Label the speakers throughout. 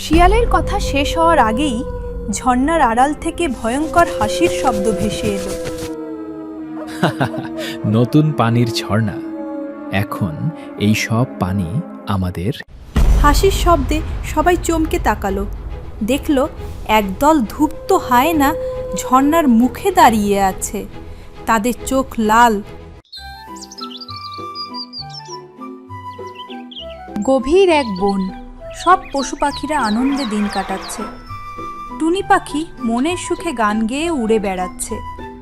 Speaker 1: শিয়ালের কথা শেষ হওয়ার আগেই ঝর্ণার আড়াল থেকে ভয়ঙ্কর হাসির শব্দ ভেসে এলো।
Speaker 2: নতুন পানির ঝর্ণা, এখন এই সব পানি আমাদের।
Speaker 1: হাসির শব্দে সবাই চমকে তাকালো, দেখল একদল ধূপ্ত হায়না ঝর্ণার মুখে দাঁড়িয়ে আছে, তাদের চোখ লাল। গভীর এক বন, সব পশু পাখিরা আনন্দে দিন কাটাচ্ছে। টুনি পাখি মনের সুখে গান গেয়ে উড়ে বেড়াচ্ছে।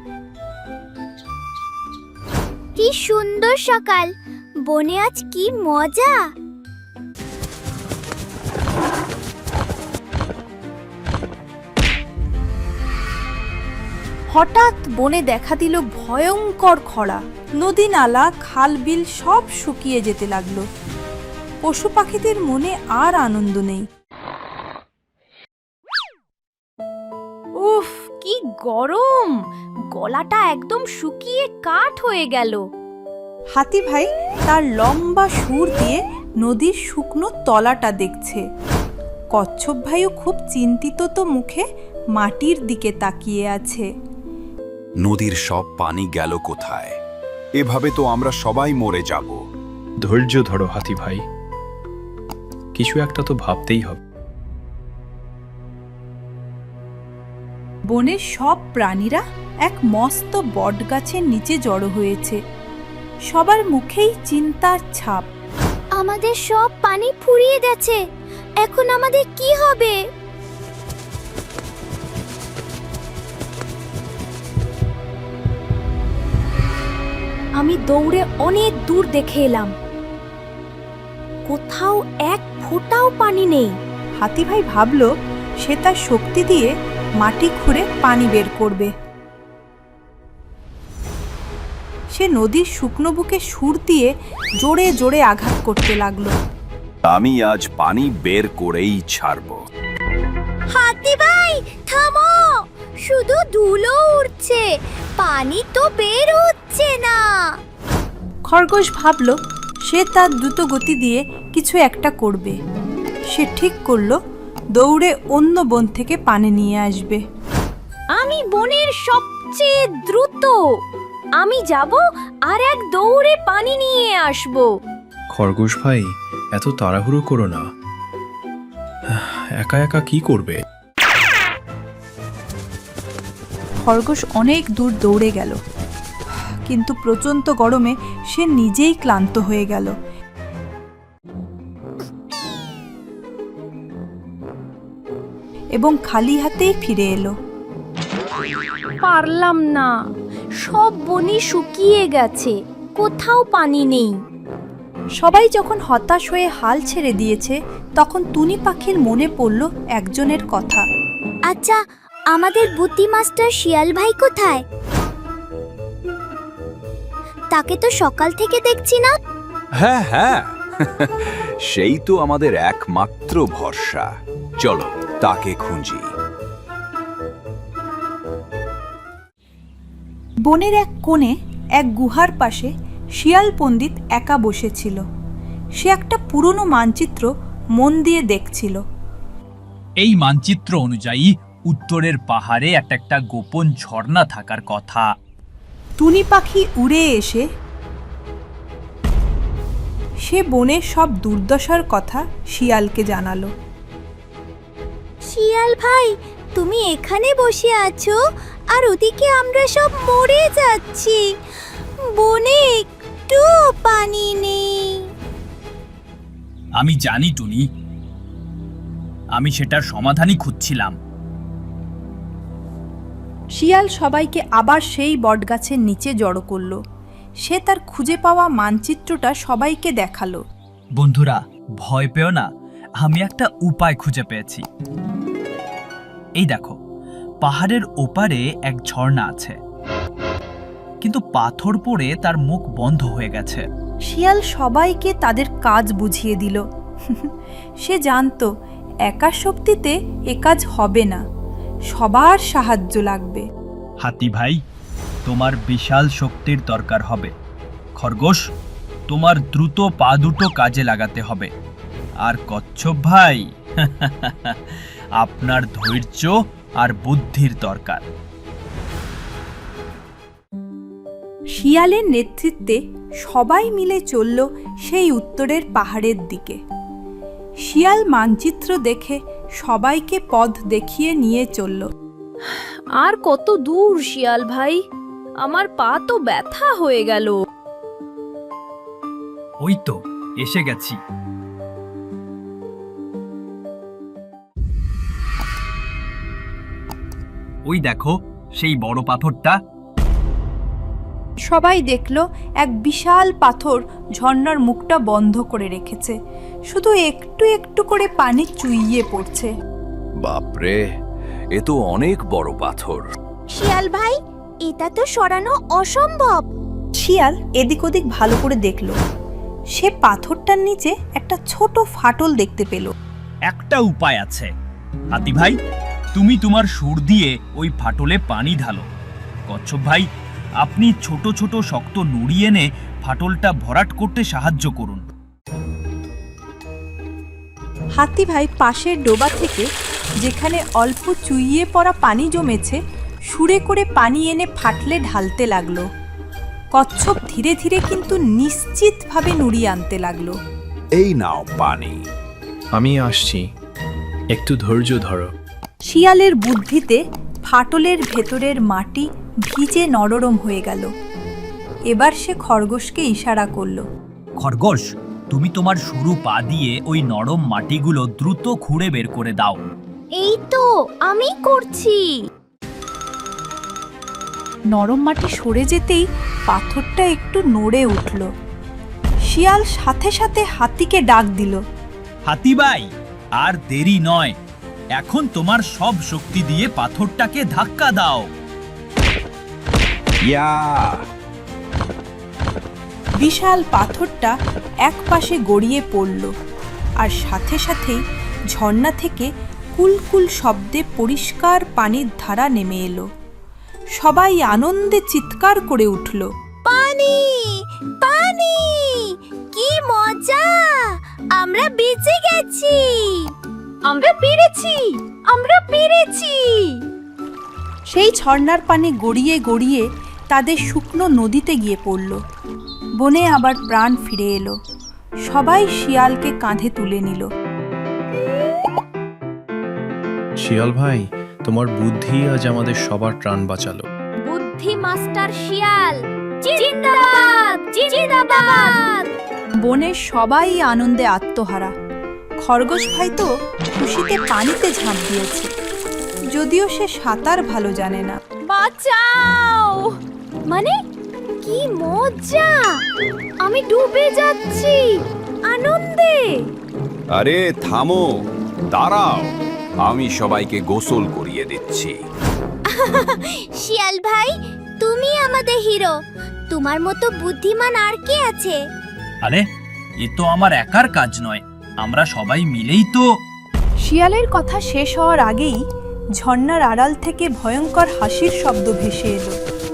Speaker 3: কি সুন্দর সকাল, বনে আজ কি মজা।
Speaker 1: হঠাৎ বনে দেখা দিল ভয়ঙ্কর খরা। নদী নালা খাল বিল সব শুকিয়ে যেতে লাগলো। পশু পাখিদের মনে আর আনন্দ নেই।
Speaker 3: উফ, কি গরম, গলাটা একদম শুকিয়ে কাঠ হয়ে গেল।
Speaker 1: হাতি ভাই তার লম্বা সুর দিয়ে নদীর শুকনো তলাটা দেখছে। কচ্ছপ ভাইও খুব চিন্তিত তো মুখে মাটির দিকে তাকিয়ে আছে।
Speaker 4: নদীর সব পানি গেল কোথায়? এভাবে তো আমরা সবাই মরে যাব।
Speaker 2: ধৈর্য ধরো হাতি ভাই, কিছু একটা তো ভাবতেই হবে।
Speaker 1: বনের সব প্রাণীরা এক মস্ত বটগাছের নিচে জড়ো হয়েছে। সবার মুখেই চিন্তার ছাপ।
Speaker 3: আমাদের সব পানি ফুরিয়ে গেছে, এখন আমাদের কি হবে? আমি দৌড়ে অনেক দূর দেখে এলাম, কোথাও এক ফোঁটাও পানি নেই।
Speaker 1: হাতি ভাই ভাবল সে তার শক্তি দিয়ে মাটি খুঁড়ে পানি বের করবে। সে নদীর শুকনো বুকে সুর দিয়ে জোরে জোরে আঘাত করতে লাগলো।
Speaker 4: আমি আজ পানি বের করেই ছাড়ব।
Speaker 3: হাতি ভাই থামো, শুধু ধুলো উঠছে, পানি তো বের হচ্ছে না।
Speaker 1: খরগোশ ভাবল সে তার দ্রুত গতি দিয়ে কিছু একটা করবে। সে ঠিক করলো দৌড়ে অন্য বন থেকে পানি নিয়ে আসবে।
Speaker 3: আমি বনের সবচেয়ে দ্রুত, আমি যাব আর এক দৌড়ে পানি নিয়ে আসব।
Speaker 2: খরগোশ ভাই, এত তাড়াহুড়ো করো না, একা একা কি করবে?
Speaker 1: খরগোশ অনেক দূর দৌড়ে গেল, কিন্তু প্রচণ্ড গরমে সে নিজেই ক্লান্ত হয়ে গেল। এবং খালি হাতেই ফিরে এলো।
Speaker 3: পারলাম না, সব বনি শুকিয়ে গেছে, কোথাও পানি নেই।
Speaker 1: সবাই যখন হতাশ হয়ে হাল ছেড়ে দিয়েছে, তখন টুনি পাখির মনে পড়ল একজনের কথা।
Speaker 3: আচ্ছা, আমাদের বুদ্ধি মাস্টার শিয়াল ভাই কোথায়? তাকে তো সকাল থেকে দেখছি না।
Speaker 4: হ্যাঁ হ্যাঁ, সেই তো আমাদের একমাত্র ভরসা। চলো তাকে খুঁজি।
Speaker 1: বনের এক কোণে এক গুহার পাশে শিয়াল পণ্ডিত একা বসেছিল। সে একটা পুরনো মানচিত্র মন দিয়ে দেখছিল।
Speaker 5: এই মানচিত্র অনুযায়ী উত্তরের পাহাড়ে একটা গোপন ঝর্ণা থাকার কথা।
Speaker 1: টুনি পাখি উড়ে এসে সে বনের সব দুর্দশার কথা শিয়ালকে জানালো।
Speaker 3: শিয়াল ভাই, তুমি এখানে বসে আছো আর ওদিকে আমরা সব মরে যাচ্ছি, বনে একটু পানি নেই।
Speaker 5: আমি জানি টুনি, আমি সেটার সমাধানই খুঁজছিলাম।
Speaker 1: শিয়াল সবাইকে আবার সেই বটগাছের নিচে জড়ো করলো। সে তার খুঁজে পাওয়া মানচিত্রটা সবাইকে দেখালো।
Speaker 5: বন্ধুরা, ভয় পেও না, আমি একটা উপায় খুঁজে পেয়েছি। এই দেখো, পাহাড়ের ওপারে এক ঝর্ণা আছে, কিন্তু পাথর পড়ে তার মুখ বন্ধ হয়ে গেছে।
Speaker 1: শিয়াল সবাইকে তাদের কাজ বুঝিয়ে দিল। সে জানতো একা শক্তিতে এ কাজ হবে না, সবার সাহায্য লাগবে।
Speaker 5: হাতি ভাই, তোমার বিশাল শক্তির দরকার হবে। খরগোশ, তোমার দ্রুত পা দুটো কাজে লাগাতে হবে। আর কচ্ছপ ভাই, আপনার ধৈর্য আর বুদ্ধির দরকার।
Speaker 1: শিয়ালের নেতৃত্বে সবাই মিলে চলল সেই উত্তরের পাহাড়ের দিকে। শিয়াল মানচিত্র দেখে সবাইকে পথ দেখিয়ে নিয়ে চলল।
Speaker 6: আর কত দূর শিয়াল ভাই, আমার পা তো ব্যথা হয়ে গেল।
Speaker 5: ওই তো এসে গেছি। ওই দেখো সেই বড় পাথরটা।
Speaker 1: সবাই দেখল এক বিশাল পাথর ঝর্ণার মুখটা বন্ধ করে রেখেছে, শুধু একটু একটু করে পানি চুইয়ে পড়ছে।
Speaker 4: বাপরে, এ তো অনেক বড় পাথর।
Speaker 3: শিয়াল ভাই, এটা তো সরানো অসম্ভব।
Speaker 1: শিয়াল এদিক ওদিক ভালো করে দেখল, সে পাথরটার নিচে একটা ছোট ফাটল দেখতে পেল।
Speaker 5: একটা উপায় আছে। হাতি ভাই, তুমি তোমার সুর দিয়ে ওই ফাটলে পানি ঢালো। কচ্ছপ ভাই, আপনি ছোট ছোট শক্ত নুড়ি এনে ফাটলটা ভরাট করতে সাহায্য করুন।
Speaker 1: হাতি ভাই পাশের ডোবা থেকে যেখানে অল্প চুইয়ে পড়া পানি জমেছে সুরে করে পানি এনে ফাটলে ঢালতে লাগলো। কচ্ছপ ধীরে ধীরে কিন্তু নিশ্চিতভাবে নুড়ি আনতে লাগলো।
Speaker 4: এই নাও পানি।
Speaker 2: আমি আসছি, একটু ধৈর্য ধরো।
Speaker 1: শিয়ালের বুদ্ধিতে ফাটলের ভেতরের মাটি ভিজে নরম হয়ে গেল। এবার সে খরগোশকে ইশারা করলো।
Speaker 5: খরগোশ, তুমি তোমার সরু পা দিয়ে ওই নরম মাটিগুলো দ্রুত খুঁড়ে বের করে দাও।
Speaker 3: এই তো আমি করছি।
Speaker 1: নরম মাটি সরে যেতেই পাথরটা একটু নড়ে উঠল। শিয়াল সাথে সাথে হাতিকে ডাক দিল।
Speaker 5: হাতি ভাই, আর দেরি নয়, এখন তোমার সব শক্তি দিয়ে পাথরটাকে ধাক্কা দাও।
Speaker 4: ইয়া!
Speaker 1: বিশাল পাথরটা একপাশে গড়িয়ে পড়ল, আর সাথে সাথেই ঝর্ণা থেকে কুলকুল শব্দে পরিষ্কার পানির ধারা নেমে এলো। সবাই আনন্দে চিৎকার করে উঠল।
Speaker 3: পানি, পানি, কি মজা! আমরা বেঁচে গেছি,
Speaker 6: আমরা পেরেছি, আমরা পেরেছি।
Speaker 1: সেই ঝর্ণার পানি গড়িয়ে গড়িয়ে তাদের শুকনো নদীতে গিয়ে পড়ল। বনে আবার প্রাণ ফিরে এলো। সবাই শিয়ালকে কাঁধে তুলে নিল।
Speaker 2: শিয়াল ভাই, তোমার বুদ্ধি আজ আমাদের সবার প্রাণ বাঁচালো।
Speaker 3: বুদ্ধি মাস্টার শিয়াল জিন্দাবাদ, জিন্দাবাদ।
Speaker 1: বনের সবাই আনন্দে আত্মহারা। খরগোশ ভাই তো খুশিতে পানিতে ঝাঁপ দিয়েছে, যদিও সে সাঁতার ভালো জানে না।
Speaker 3: বাঁচাও! মানে কি মজা! আমি ডুবে যাচ্ছি আনন্দে।
Speaker 4: আরে থামো, দাঁড়াও, আমি সবাইকে গোসল করিয়ে দিচ্ছি।
Speaker 3: শিয়াল ভাই, তুমি আমাদের হিরো। তোমার মতো বুদ্ধিমান আর কে আছে?
Speaker 5: আরে, এ তো আমার একার কাজ নয়, আমরা সবাই মিলেই তো।
Speaker 1: শিয়ালের কথা শেষ হওয়ার আগেই ঝর্ণার আড়াল থেকে ভয়ঙ্কর হাসির শব্দ ভেসে এলো।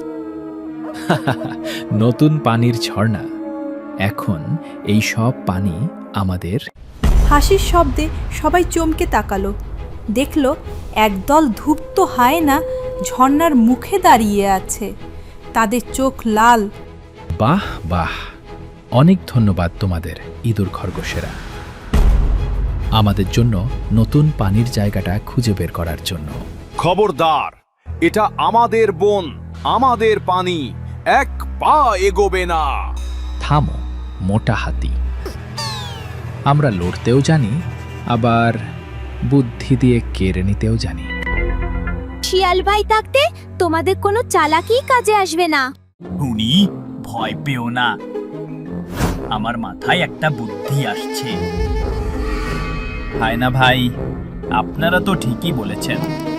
Speaker 2: নতুন পানির ঝর্ণা, এখন এই সব পানি আমাদের।
Speaker 1: হাসির শব্দে সবাই চমকে তাকালো। দেখল একদল ধূপ্ত হায়না ঝর্ণার মুখে দাঁড়িয়ে আছে, তাদের চোখ লাল।
Speaker 2: বাহ বাহ, অনেক ধন্যবাদ তোমাদের ইঁদুর খরগোশেরা, আমাদের জন্য নতুন পানির জায়গাটা খুঁজে বের করার জন্য।
Speaker 4: খবরদার, এটা আমাদের বন, আমাদের পানি, এক পা এগোবে না।
Speaker 2: থামো মোটা হাতি, আমরা লড়তেও জানি, আবার বুদ্ধি দিয়ে কেড়ে নিতেও জানি।
Speaker 3: শিয়াল ভাই থাকতে তোমাদের কোনো চালাকি কাজে আসবে না।
Speaker 5: টুনি, ভয় পেও না, আমার মাথায় একটা বুদ্ধি আসছে। হায়না ভাই, আপনারা তো ঠিকই বলেছেন,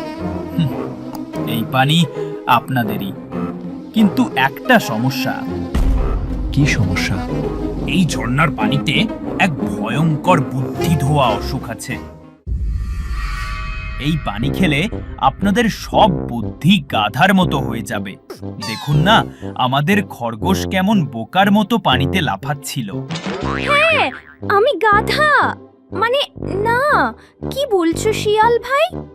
Speaker 5: এই পানি আপনাদেরই, কিন্তু একটা সমস্যা।
Speaker 2: কি সমস্যা?
Speaker 5: এই ঝর্ণার পানিতে এক ভয়ঙ্কর বুদ্ধি ধোয়া অসুখ আছে। এই পানি খেলে আপনাদের সব বুদ্ধি গাধার মতো হয়ে যাবে। দেখুন না, আমাদের খরগোশ কেমন বোকার মতো পানিতে লাফাচ্ছিল।
Speaker 3: আমি গাধা, মানে না,
Speaker 6: কি বলছো শিয়াল ভাই?